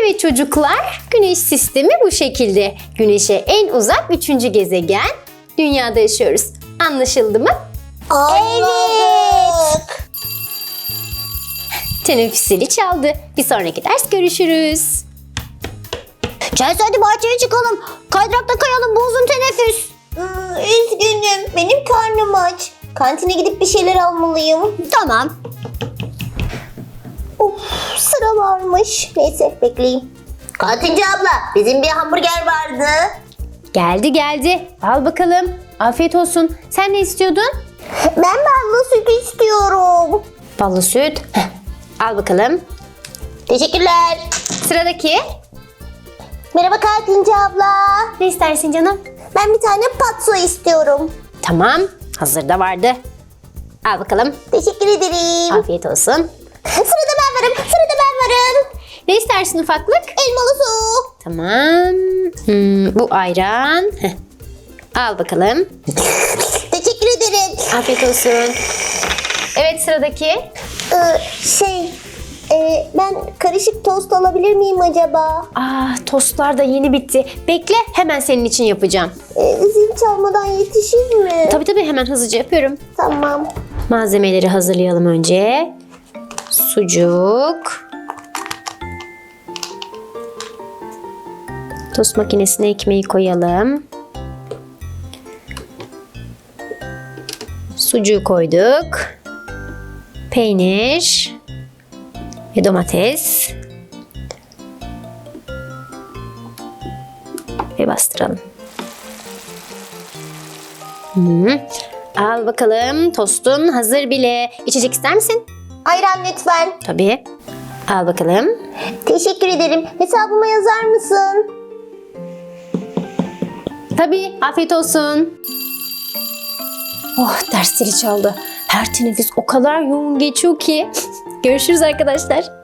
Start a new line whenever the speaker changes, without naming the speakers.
Evet çocuklar, Güneş sistemi bu şekilde. Güneş'e en uzak 3. gezegen, Dünya'da yaşıyoruz. Anlaşıldı mı?
Evet.
Teneffüs zili çaldı. Bir sonraki ders görüşürüz.
Chelsea hadi bahçeye çıkalım. Kaydırakta kayalım bu uzun teneffüs. Üzgünüm. Benim karnım aç. Kantine gidip bir şeyler almalıyım. Tamam. Of, sıra varmış. Neyse bekleyeyim. Kantinci abla bizim bir hamburger vardı.
Geldi. Al bakalım. Afiyet olsun. Sen ne istiyordun?
Ben ballı süt istiyorum.
Ballı süt. Heh, al bakalım.
Teşekkürler.
Sıradaki.
Merhaba kantinci abla.
Ne istersin canım?
Ben bir tane patso istiyorum.
Tamam. Hazırda vardı. Al bakalım.
Teşekkür ederim.
Afiyet olsun.
Sırada ben varım. Sırada ben varım.
Ne istersin ufaklık?
Elmalı su.
Tamam. Bu ayran. Heh. Al bakalım.
Teşekkür ederim.
Afiyet olsun. Evet sıradaki.
Ben karışık tost alabilir miyim acaba?
Tostlar da yeni bitti. Bekle hemen senin için yapacağım.
Zil çalmadan yetişir mi?
Tabii hemen hızlıca yapıyorum.
Tamam.
Malzemeleri hazırlayalım önce. Sucuk. Tost makinesine ekmeği koyalım. Sucuğu koyduk. Peynir ve domates. Ve bastıralım. Al bakalım, tostun hazır bile. İçecek ister misin?
Ayran lütfen.
Tabii. Al bakalım.
Teşekkür ederim. Hesabıma yazar mısın?
Tabii, afiyet olsun. Oh, ders zili çaldı. Her teneffüs o kadar yoğun geçiyor ki. Görüşürüz arkadaşlar.